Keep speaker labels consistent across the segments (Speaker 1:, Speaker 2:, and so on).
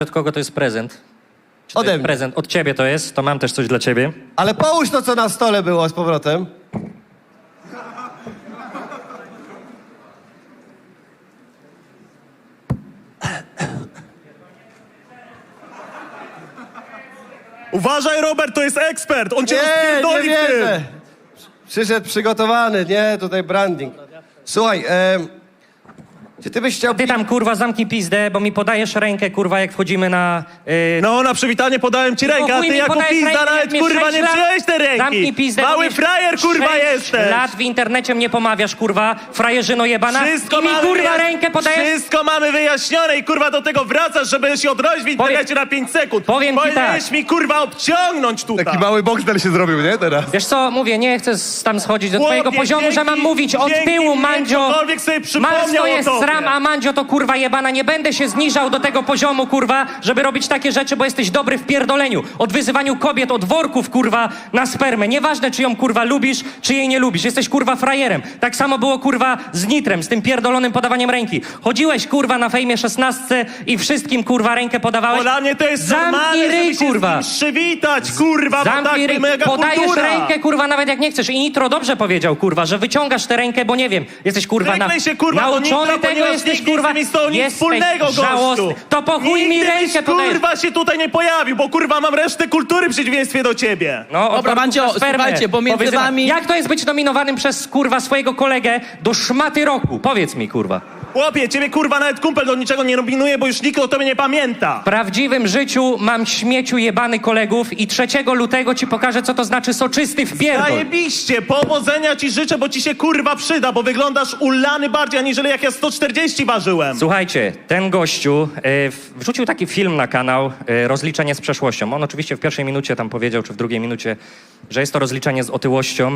Speaker 1: Od kogo to jest prezent? Czy to
Speaker 2: Ode
Speaker 1: jest
Speaker 2: mnie.
Speaker 1: prezent? Od ciebie to jest, to mam też coś dla ciebie.
Speaker 2: Ale połóż to, co na stole było z powrotem.
Speaker 3: Uważaj, Robert, to jest ekspert! On cię
Speaker 2: Nie
Speaker 3: rozpierdoli w tym!
Speaker 2: wierzę. Przyszedł przygotowany, nie, tutaj branding. Słuchaj, czy ty byś chciał...
Speaker 1: Ty tam, kurwa, zamknij pizdę, bo mi podajesz rękę, kurwa, jak wchodzimy na...
Speaker 3: No, na przywitanie podałem ci rękę, a
Speaker 1: chuj
Speaker 3: ty
Speaker 1: mi
Speaker 3: jako
Speaker 1: podajesz
Speaker 3: pizda
Speaker 1: rękę,
Speaker 3: nawet,
Speaker 1: jak mnie
Speaker 3: kurwa,
Speaker 1: 6
Speaker 3: nie
Speaker 1: lat-
Speaker 3: przyjąłeś te ręki!
Speaker 1: Zamknij pizdę, bo
Speaker 3: Mały
Speaker 1: mnie
Speaker 3: frajer, kurwa,
Speaker 1: 6
Speaker 3: jesteś!
Speaker 1: lat w internecie mnie pomawiasz, kurwa, frajerzyno jebana. I mi, kurwa, rękę podajesz...
Speaker 3: Wszystko mamy wyjaśnione i kurwa do tego wracasz, żeby się odrodzić w internecie na 5 sekund.
Speaker 1: powiem ci
Speaker 3: Powinieneś
Speaker 1: tak.
Speaker 3: mi, kurwa, obciągnąć tutaj.
Speaker 4: Taki mały boksel się zrobił, nie, teraz?
Speaker 1: Wiesz co, mówię, nie chcę tam schodzić do
Speaker 3: Chłopie,
Speaker 1: twojego poziomu, że mam
Speaker 3: dzięki-
Speaker 1: mówić od
Speaker 3: dzięki
Speaker 1: tyłu,
Speaker 3: mnie
Speaker 1: Mandzio.
Speaker 3: ktokolwiek sobie przypomniał
Speaker 1: Masz to
Speaker 3: o
Speaker 1: jest
Speaker 3: tobie.
Speaker 1: sram, a Mandzio to kurwa jebana. Nie będę się zniżał do tego poziomu, kurwa, żeby robić takie rzeczy, bo jesteś dobry w pierdoleniu. Od wyzywaniu kobiet, od worków, kurwa, na spermę. Nieważne, czy ją, kurwa, lubisz, czy jej nie lubisz. Jesteś, kurwa, frajerem. Tak samo było, kurwa, z Nitrem, z tym pierdolonym podawaniem ręki. Chodziłeś, kurwa, na fejmie 16 i wszystkim, kurwa, rękę podawałeś.
Speaker 3: Bo dla mnie to jest
Speaker 1: Zamknij
Speaker 3: normalne,
Speaker 1: ryj,
Speaker 3: żeby się
Speaker 1: kurwa.
Speaker 3: z nim przywitać, kurwa, bo tak
Speaker 1: Zamknij ryj,
Speaker 3: mega
Speaker 1: podajesz
Speaker 3: kultura.
Speaker 1: rękę, kurwa, nawet jak nie chcesz. I Nitro dobrze powiedział, kurwa, że wyciągasz tę rękę, bo nie wiem, jesteś, kurwa,
Speaker 3: Wyklej się, kurwa, do
Speaker 1: nauczony
Speaker 3: Nitra,
Speaker 1: tego,
Speaker 3: ponieważ
Speaker 1: jesteś,
Speaker 3: nigdy
Speaker 1: kurwa,
Speaker 3: z tym nic
Speaker 1: jesteś
Speaker 3: wspólnego, gościu.
Speaker 1: żałosny. To po chuj mi
Speaker 3: Nigdy
Speaker 1: rękę
Speaker 3: byś,
Speaker 1: podajesz.
Speaker 3: kurwa, się tutaj nie pojawił, bo kurwa mam resztę kultury w przeciwieństwie do ciebie.
Speaker 1: No, od
Speaker 5: Dobra,
Speaker 1: worków
Speaker 5: Mandzio,
Speaker 1: na spermę.
Speaker 5: słuchajcie, bo między
Speaker 1: Powyzywa-
Speaker 5: wami-
Speaker 1: Jak to jest być nominowanym przez, kurwa, swojego kolegę do szmaty roku? Powiedz mi, kurwa.
Speaker 3: Chłopie, ciebie kurwa nawet kumpel do niczego nie nominuje, bo już nikt o tobie nie pamięta.
Speaker 1: W prawdziwym życiu mam śmieciu jebany kolegów i 3 lutego ci pokażę, co to znaczy soczysty wpierdol.
Speaker 3: Zajebiście, powodzenia ci życzę, bo ci się kurwa przyda, bo wyglądasz ulany bardziej, aniżeli jak ja 140 ważyłem.
Speaker 1: Słuchajcie, ten gościu wrzucił taki film na kanał Rozliczenie z przeszłością. On oczywiście w pierwszej minucie tam powiedział, czy w drugiej minucie, że jest to rozliczenie z otyłością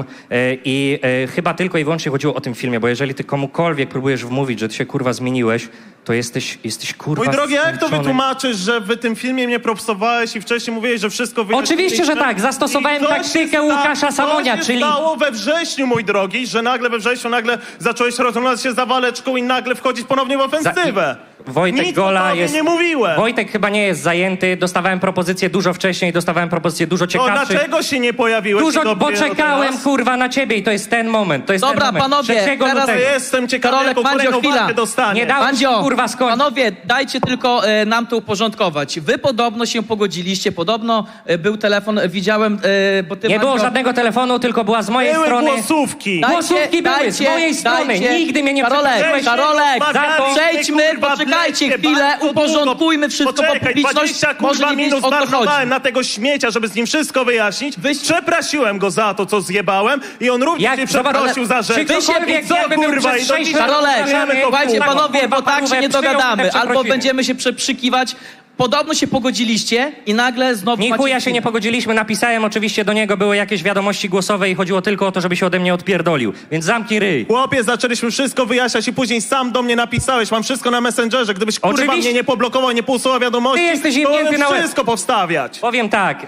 Speaker 1: i chyba tylko i wyłącznie chodziło o tym filmie, bo jeżeli ty komukolwiek próbujesz wmówić, że ty się kurwa zmieniłeś, to jesteś kurwa
Speaker 3: Mój drogi, jak to
Speaker 1: zmęczony.
Speaker 3: wytłumaczysz, że w tym filmie mnie propsowałeś i wcześniej mówiłeś, że wszystko wyjaśniliśmy?
Speaker 1: Oczywiście, że tak. Zastosowałem
Speaker 3: I co się
Speaker 1: taktykę Łukasza Samonia,
Speaker 3: co się
Speaker 1: czyli...
Speaker 3: stało we wrześniu, mój drogi, że nagle we wrześniu zacząłeś rozglądać się za waleczką i nagle wchodzić ponownie w ofensywę.
Speaker 1: Wojtek
Speaker 3: Nic
Speaker 1: Gola
Speaker 3: o tobie
Speaker 1: jest...
Speaker 3: nie mówiłem.
Speaker 1: Wojtek chyba nie jest zajęty. Dostawałem propozycje dużo wcześniej, dostawałem propozycje dużo
Speaker 3: To
Speaker 1: ciekawszych.
Speaker 3: dlaczego się nie pojawiłeś?
Speaker 1: Dużo,
Speaker 3: Dzień
Speaker 1: bo
Speaker 3: dobry,
Speaker 1: czekałem,
Speaker 3: teraz?
Speaker 1: kurwa, na ciebie i to jest ten moment. To jest
Speaker 5: Dobra,
Speaker 1: ten moment.
Speaker 5: panowie,
Speaker 1: 3
Speaker 5: teraz
Speaker 1: lutego.
Speaker 3: Jestem ciekawy,
Speaker 5: Karolek,
Speaker 3: jaką
Speaker 5: Mandzio,
Speaker 3: kolejną
Speaker 5: chwila.
Speaker 3: walkę dostanie.
Speaker 1: Nie dałem
Speaker 5: Mandzio,
Speaker 1: ci, kurwa, skończyć.
Speaker 5: panowie, dajcie tylko nam to uporządkować. Wy podobno się pogodziliście, podobno był telefon, widziałem, bo ty,
Speaker 1: Nie było
Speaker 5: Mandzio,
Speaker 1: żadnego telefonu, tylko była z mojej
Speaker 3: Były
Speaker 1: strony...
Speaker 3: głosówki.
Speaker 1: Głosówki były z mojej strony. Nigdy mnie nie
Speaker 5: Karolek,
Speaker 1: przeprosiłeś.
Speaker 5: Karolek,
Speaker 1: Za to-
Speaker 5: przejdźmy,
Speaker 3: Kurwa,
Speaker 5: poczekajcie
Speaker 3: wlezie
Speaker 5: chwilę,
Speaker 3: bardzo
Speaker 5: uporządkujmy
Speaker 3: długo.
Speaker 5: wszystko, bo
Speaker 3: Poczekaj,
Speaker 5: publiczność
Speaker 3: 20
Speaker 5: może
Speaker 3: kurwa
Speaker 5: nie wiedzieć,
Speaker 3: minut
Speaker 5: o co chodzi.
Speaker 3: zmarnowałem na tego śmiecia, żeby z nim wszystko wyjaśnić. Przeprosiłem go za to, co zjebałem i on również
Speaker 1: Jak-
Speaker 3: mnie
Speaker 1: zobacz,
Speaker 3: przeprosił
Speaker 1: ale
Speaker 3: za rzeczy.
Speaker 1: czy ktokolwiek,
Speaker 3: I co,
Speaker 1: jakby był
Speaker 3: kurwa,
Speaker 1: przez
Speaker 3: i do
Speaker 1: 6
Speaker 3: dzisiaj
Speaker 1: lat
Speaker 5: Karolek,
Speaker 3: rozmawiamy to,
Speaker 5: słuchajcie
Speaker 3: kurwa.
Speaker 5: panowie, bo
Speaker 1: kurwa,
Speaker 5: tak się nie
Speaker 1: przyjął te
Speaker 5: dogadamy. Albo
Speaker 1: przeprosiny.
Speaker 5: będziemy się przekrzykiwać. Podobno się pogodziliście i nagle znowu
Speaker 1: Ni
Speaker 5: macie...
Speaker 1: chuja się nie pogodziliśmy, napisałem oczywiście do niego, były jakieś wiadomości głosowe i chodziło tylko o to, żeby się ode mnie odpierdolił. Więc zamknij ryj.
Speaker 3: Chłopie, zaczęliśmy wszystko wyjaśniać i później sam do mnie napisałeś. Mam wszystko na Messengerze. Gdybyś kurwa
Speaker 1: Oczywiście.
Speaker 3: mnie nie poblokował, nie pousuwał wiadomości,
Speaker 1: Ty jesteś
Speaker 3: to
Speaker 1: jebnięty
Speaker 3: mogłem
Speaker 1: na łeb.
Speaker 3: wszystko powstawiać.
Speaker 1: Powiem tak,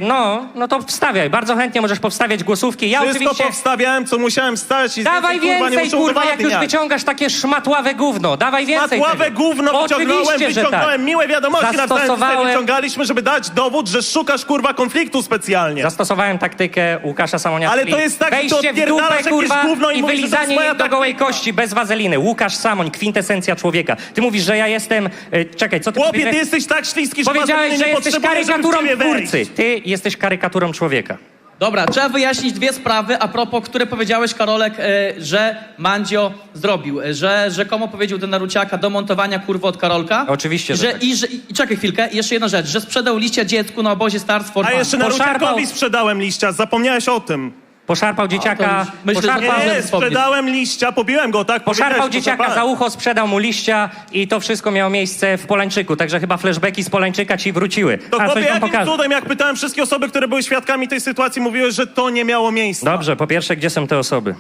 Speaker 1: no to wstawiaj. Bardzo chętnie możesz powstawiać głosówki. Ja
Speaker 3: Wszystko
Speaker 1: oczywiście...
Speaker 3: powstawiałem, co musiałem wstać i
Speaker 1: Dawaj
Speaker 3: kurwa, nie
Speaker 1: więcej,
Speaker 3: muszę
Speaker 1: kurwa, jak już
Speaker 3: udowadniać.
Speaker 1: wyciągasz takie szmatławe gówno. Dawaj więcej
Speaker 3: Matławe
Speaker 1: tego.
Speaker 3: gówno wyciągnąłem,
Speaker 1: Oczywiście, że
Speaker 3: wyciągnąłem
Speaker 1: tak.
Speaker 3: miłe wiadomości na całym
Speaker 1: Zastosowałem-
Speaker 3: wyciągaliśmy, żeby dać dowód, że szukasz kurwa konfliktu specjalnie.
Speaker 1: Zastosowałem taktykę Łukasza Samonia.
Speaker 3: Ale
Speaker 1: czyli
Speaker 3: to jest tak, że ty
Speaker 1: wejście w
Speaker 3: odpierdalasz
Speaker 1: dupę,
Speaker 3: jakieś
Speaker 1: kurwa,
Speaker 3: gówno i
Speaker 1: i
Speaker 3: mówisz, że to jest
Speaker 1: wylizanie
Speaker 3: moja
Speaker 1: jej do gołej
Speaker 3: taktyka.
Speaker 1: kości, bez wazeliny. Łukasz Samoń, kwintesencja człowieka. Ty mówisz, że ja jestem... czekaj, co ty
Speaker 3: Chłopie, ty
Speaker 1: powiedziałeś?
Speaker 3: jesteś tak śliski, że
Speaker 1: Powiedziałeś,
Speaker 3: wazeliny
Speaker 1: że
Speaker 3: nie
Speaker 1: jesteś
Speaker 3: potrzebuję, żeby w
Speaker 1: karykaturą
Speaker 3: ciebie wejść.
Speaker 1: twórcy. Ty jesteś karykaturą człowieka.
Speaker 5: Dobra, trzeba wyjaśnić dwie sprawy, a propos, które powiedziałeś, Karolek, że Mandzio zrobił, że rzekomo powiedział do Naruciaka do montowania kurwy od Karolka.
Speaker 1: Oczywiście, że tak.
Speaker 5: I czekaj chwilkę, jeszcze jedna rzecz, że sprzedał liścia dziecku na obozie Stars for
Speaker 3: A
Speaker 5: Fun.
Speaker 3: jeszcze
Speaker 1: Poszarpał-
Speaker 3: Naruciakowi sprzedałem liścia, zapomniałeś o tym.
Speaker 1: Poszarpał dzieciaka...
Speaker 5: już myślę, że
Speaker 1: poszarpał,
Speaker 5: Paweł-
Speaker 3: Nie, sprzedałem liścia, pobiłem go, tak?
Speaker 1: Poszarpał
Speaker 3: powiedziałeś,
Speaker 1: dzieciaka
Speaker 3: to
Speaker 1: za ucho, sprzedał mu liścia i to wszystko miało miejsce w Polańczyku. Także chyba flashbacki z Polańczyka ci wróciły.
Speaker 3: To
Speaker 1: A,
Speaker 3: chłopie,
Speaker 1: coś wam
Speaker 3: jakim
Speaker 1: pokażę.
Speaker 3: cudem, jak pytałem wszystkie osoby, które były świadkami tej sytuacji, mówiły, że to nie miało miejsca.
Speaker 1: Dobrze, po pierwsze, gdzie są te osoby?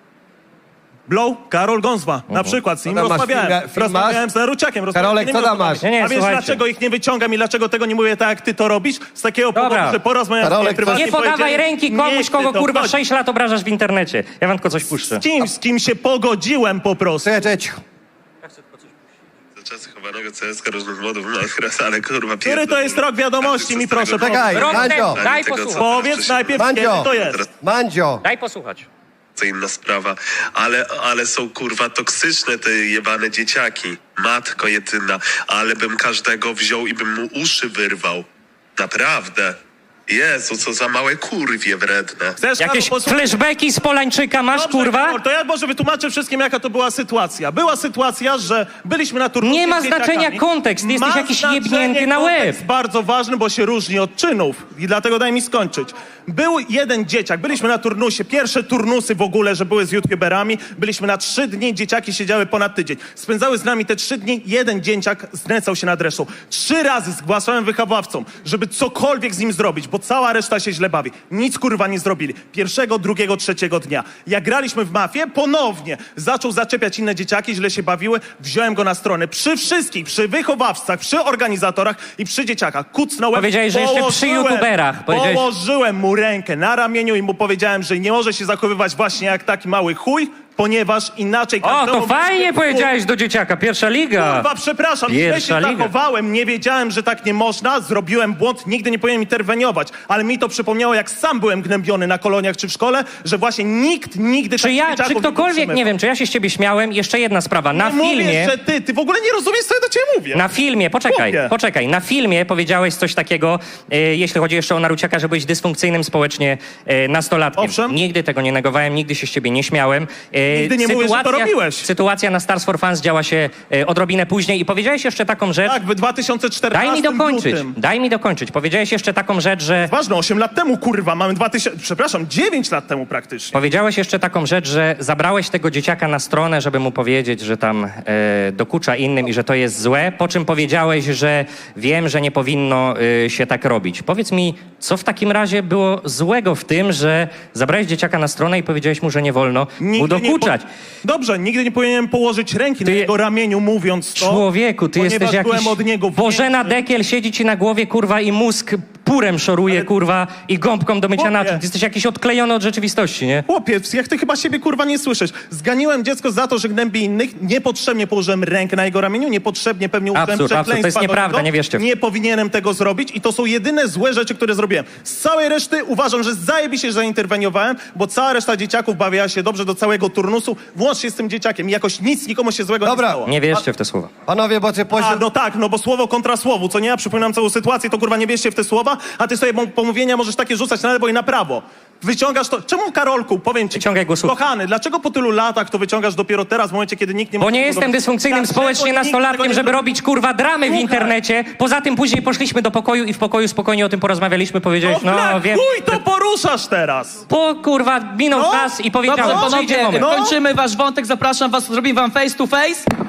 Speaker 3: Blow, Karol Gązwa, na przykład, z nim
Speaker 2: Co tam masz,
Speaker 3: rozmawiałem.
Speaker 2: film
Speaker 3: Rozmawiałem z Naruciakiem.
Speaker 2: Karolek, co tam masz?
Speaker 1: Nie,
Speaker 3: A wiesz,
Speaker 1: słuchajcie.
Speaker 3: dlaczego ich nie wyciągam i dlaczego tego nie mówię tak, jak ty to robisz? Z takiego
Speaker 1: Dobra.
Speaker 3: powodu, że porozmawiałem z nim
Speaker 2: Karolek,
Speaker 3: prywatnie.
Speaker 1: Nie podawaj
Speaker 3: powiedzieli,
Speaker 1: ręki
Speaker 3: nie
Speaker 1: komuś,
Speaker 3: chcę
Speaker 1: kogo
Speaker 3: to
Speaker 1: kurwa
Speaker 3: wchodzić.
Speaker 1: 6 lat obrażasz w internecie. Ja wam tylko coś puszczę.
Speaker 3: Z kim się pogodziłem po prostu.
Speaker 2: Czekaj, cicho.
Speaker 6: czasy chowanego CSK różnych modów Minecraft, ale kurwa...
Speaker 3: Który to jest rok wiadomości, mi proszę
Speaker 2: Czekaj,
Speaker 1: Rok
Speaker 2: Mandzio,
Speaker 1: temu, daj
Speaker 6: Tego, co-
Speaker 1: posłuchać.
Speaker 3: Powiedz najpierw, kiedy
Speaker 2: Mandzio,
Speaker 3: to jest.
Speaker 2: Mandzio,
Speaker 1: Daj posłuchać.
Speaker 6: To inna sprawa, ale są kurwa toksyczne te jebane dzieciaki. Matko jedyna, ale bym każdego wziął i bym mu uszy wyrwał. Naprawdę. Jezu, co za małe kurwie wredne.
Speaker 3: Chcesz,
Speaker 1: Jakieś
Speaker 3: Karol, posłuchaj?
Speaker 1: flashbacki z Polańczyka masz,
Speaker 3: Dobrze,
Speaker 1: kurwa?
Speaker 3: Karol, to ja może wytłumaczę wszystkim, jaka to była sytuacja. Była sytuacja, że byliśmy na turnieju.
Speaker 1: Nie ma
Speaker 3: z dzieciakami.
Speaker 1: znaczenia kontekst, ty jesteś
Speaker 3: Ma
Speaker 1: jakiś
Speaker 3: znaczenie
Speaker 1: jebnięty na łeb.
Speaker 3: kontekst bardzo ważny, bo się różni od czynów. I dlatego daj mi skończyć. Był jeden dzieciak, byliśmy na turnusie, pierwsze turnusy w ogóle, że były z youtuberami. Byliśmy na 3 dni, dzieciaki siedziały ponad tydzień. Spędzały z nami te 3 dni, jeden dzieciak znęcał się nad resztą. 3 razy zgłaszałem wychowawcom, żeby cokolwiek z nim zrobić, bo cała reszta się źle bawi. Nic kurwa nie zrobili. Pierwszego, drugiego, trzeciego dnia. Jak graliśmy w mafię, ponownie zaczął zaczepiać inne dzieciaki, źle się bawiły, wziąłem go na stronę. Przy wszystkich, przy wychowawcach, przy organizatorach i przy dzieciakach. Kucnąłem.
Speaker 1: Powiedziałeś, że jeszcze przy youtuberach.
Speaker 3: Położyłem mu rękę na ramieniu i mu powiedziałem, że nie może się zachowywać właśnie jak taki mały chuj, ponieważ inaczej...
Speaker 1: O,
Speaker 3: każdemu
Speaker 1: to fajnie
Speaker 3: byśmy-
Speaker 1: powiedziałeś do dzieciaka, pierwsza liga.
Speaker 3: Kurwa, przepraszam, źle
Speaker 1: Pierwsza
Speaker 3: się
Speaker 1: liga.
Speaker 3: zachowałem, nie wiedziałem, że tak nie można, zrobiłem błąd, nigdy nie powinienem interweniować, ale mi to przypomniało, jak sam byłem gnębiony na koloniach czy w szkole, że właśnie nikt nigdy
Speaker 1: Czy
Speaker 3: takich
Speaker 1: ja,
Speaker 3: dzieciaków
Speaker 1: czy
Speaker 3: nie
Speaker 1: ktokolwiek,
Speaker 3: podtrzymywał.
Speaker 1: nie wiem, czy ja się z ciebie śmiałem? Jeszcze jedna sprawa, na
Speaker 3: Nie
Speaker 1: filmie...
Speaker 3: Mówię, że ty w ogóle nie rozumiesz, co ja do ciebie mówię.
Speaker 1: Na filmie,
Speaker 3: Chłopie.
Speaker 1: poczekaj, na filmie powiedziałeś coś takiego, jeśli chodzi jeszcze o Naruciaka, że byłeś dysfunkcyjnym społecznie nastolatkiem.
Speaker 3: Owszem.
Speaker 1: Nigdy tego nie negowałem, nigdy się z ciebie nie śmiałem.
Speaker 3: Nigdy nie mówię, że to robiłeś.
Speaker 1: Sytuacja na Stars for Fans działa się odrobinę później i powiedziałeś jeszcze taką rzecz,
Speaker 3: Tak, w 2014
Speaker 1: daj mi dokończyć,
Speaker 3: lutym.
Speaker 1: Powiedziałeś jeszcze taką rzecz, że...
Speaker 3: Ważne, 8 lat temu, kurwa, mamy 9 lat temu praktycznie.
Speaker 1: Powiedziałeś jeszcze taką rzecz, że zabrałeś tego dzieciaka na stronę, żeby mu powiedzieć, że tam dokucza innym i że to jest złe, po czym powiedziałeś, że wiem, że nie powinno się tak robić. Powiedz mi, co w takim razie było złego w tym, że zabrałeś dzieciaka na stronę i powiedziałeś mu, że nie wolno mu dokuczać?
Speaker 3: Dobrze, nigdy nie powinienem położyć ręki na jego ramieniu, mówiąc to.
Speaker 1: Człowieku, ty
Speaker 3: ponieważ
Speaker 1: jesteś jakiś...
Speaker 3: byłem od niego
Speaker 1: Bożena
Speaker 3: większy.
Speaker 1: Dekiel siedzi ci na głowie, kurwa, i mózg purem szoruje, kurwa, i gąbką do mycia
Speaker 3: Chłopie.
Speaker 1: naczyń. Ty jesteś jakiś odklejony od rzeczywistości, nie?
Speaker 3: Chłopiec, jak ty chyba siebie kurwa nie słyszysz. Zganiłem dziecko za to, że gnębi innych, niepotrzebnie położyłem rękę na jego ramieniu, niepotrzebnie pewnie użyłem
Speaker 1: Absurd, absurd. To jest
Speaker 3: przekleństwa do
Speaker 1: nieprawda,
Speaker 3: niego.
Speaker 1: nie wierzcie w to.
Speaker 3: Nie powinienem tego zrobić i to są jedyne złe rzeczy, które zrobiłem. Z całej reszty uważam, że zajebiście zainterweniowałem, bo cała reszta dzieciaków bawiła się dobrze do całego turnusu, włącznie z tym dzieciakiem. Jakoś nic nikomu się złego
Speaker 2: Dobra.
Speaker 3: nie stało.
Speaker 1: Nie wierzcie w te słowa.
Speaker 2: panowie, bo ty
Speaker 3: A,
Speaker 2: poziom...
Speaker 3: no tak, no bo słowo kontra słowu, co nie? Ja przypominam całą sytuację, to kurwa nie bierzcie w te słowa, a ty sobie pomówienia możesz takie rzucać na lewo i na prawo. Wyciągasz to... Czemu, Karolku, powiem ci...
Speaker 1: Wyciągaj głosówkę.
Speaker 3: Kochany, dlaczego po tylu latach to wyciągasz dopiero teraz, w momencie, kiedy nikt nie...
Speaker 1: Bo
Speaker 3: może
Speaker 1: nie
Speaker 3: tego
Speaker 1: jestem
Speaker 3: robić?
Speaker 1: dysfunkcyjnym
Speaker 3: Dlaczego
Speaker 1: społecznie
Speaker 3: nikt tego
Speaker 1: nastolatkiem,
Speaker 3: nie
Speaker 1: żeby
Speaker 3: zrobi?
Speaker 1: robić, kurwa, dramy w
Speaker 3: Słuchaj.
Speaker 1: internecie. Poza tym później poszliśmy do pokoju i w pokoju spokojnie o tym porozmawialiśmy. Powiedziałeś,
Speaker 3: No,
Speaker 1: no wiem...
Speaker 3: chuj to poruszasz teraz!
Speaker 1: Po, kurwa, minął
Speaker 3: No.
Speaker 1: czas i
Speaker 5: Dobrze,
Speaker 1: powiedziałem, przyjdzie
Speaker 5: panowie,
Speaker 1: moment.
Speaker 3: No.
Speaker 5: kończymy wasz wątek, zapraszam was, zrobimy wam face to face.